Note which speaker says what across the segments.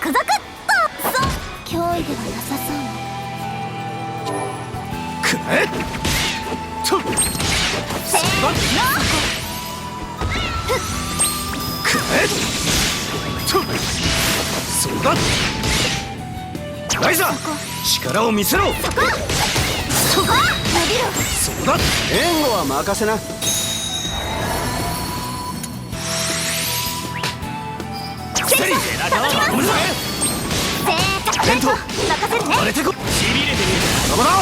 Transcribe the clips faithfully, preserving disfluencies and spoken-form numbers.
Speaker 1: クザクッと。そう、脅威ではなさそうね。
Speaker 2: くらえとっ
Speaker 1: せーの。
Speaker 2: くらえとっそうだライザー力を見せろ。
Speaker 1: そこそこ伸びろ。
Speaker 2: そうだ
Speaker 3: 援護は任せな。
Speaker 1: セリ
Speaker 2: 背中は守るぜ。
Speaker 1: 正確
Speaker 2: テント
Speaker 1: 任せるね。
Speaker 2: 荒れてこしびれてみるどうだこ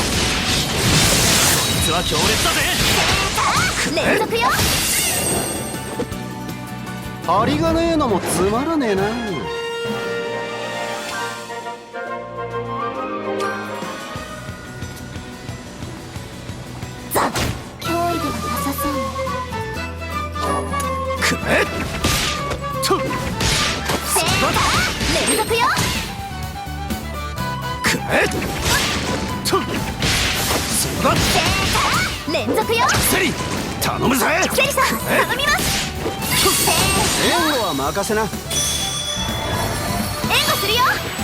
Speaker 2: いつは強烈だぜ。
Speaker 1: 連続よ。
Speaker 3: 張りがねえのもつまらねえな。
Speaker 1: ザッ脅威ではなさそうね。
Speaker 2: くらえとっ
Speaker 1: 正確連続よ。
Speaker 2: くらえとっそうだ
Speaker 1: 正確連続よ。
Speaker 2: セリ頼むぜ。
Speaker 1: セリさん頼みます。せ
Speaker 3: 援護は任せな。
Speaker 1: ー援護するよ。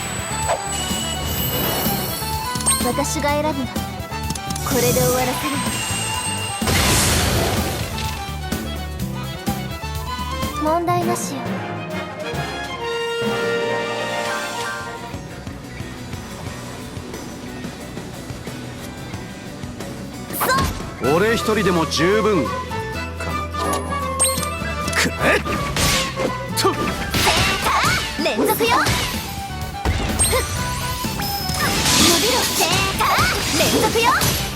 Speaker 1: 私が選ぶのこれで終わらせる。問題なしよ。そう
Speaker 3: 俺一人でも十分かな。
Speaker 2: くらえとっ
Speaker 1: 連続よ。ふっ伸びろ。正解連続よ。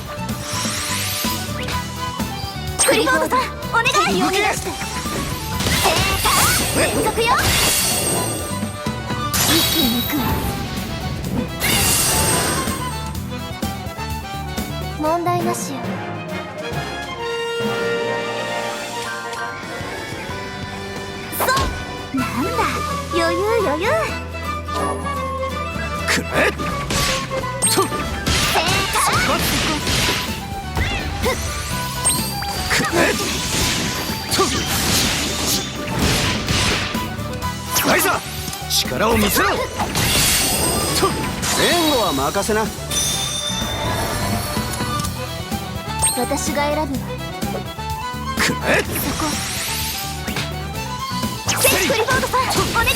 Speaker 1: クリフォードさんお願い。
Speaker 2: 動け。
Speaker 1: 正解連続よ。息抜くわ。問題なしよ。そうなんだ余裕余裕。
Speaker 2: くらえとっ
Speaker 1: 正解
Speaker 2: くらえとっライザー力を見せろ。とっ
Speaker 3: 援護は任せな。
Speaker 1: 私が選ぶわ。
Speaker 2: くらえ
Speaker 1: そこセリクリフォードさんお願い。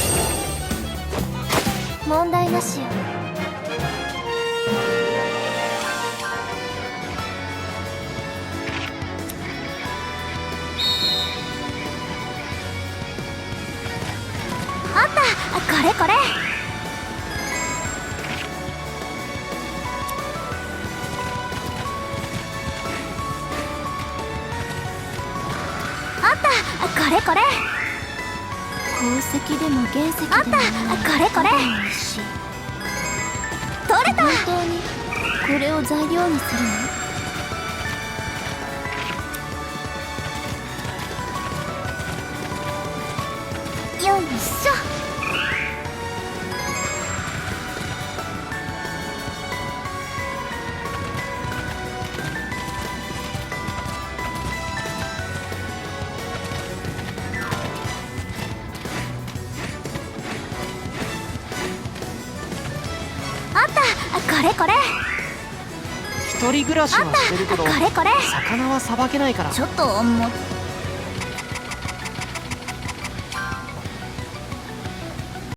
Speaker 1: 問題なしよ。あったこれこれ。あったこれこれ。宝石でも原石でもあったこれこれ。取れた。本当にこれを材料にするの？よいしょ。あったこれこれ。
Speaker 4: 一人暮らしはしてるけど
Speaker 1: あったこれこれ。
Speaker 4: 魚はさばけないから。
Speaker 1: ちょっと重っ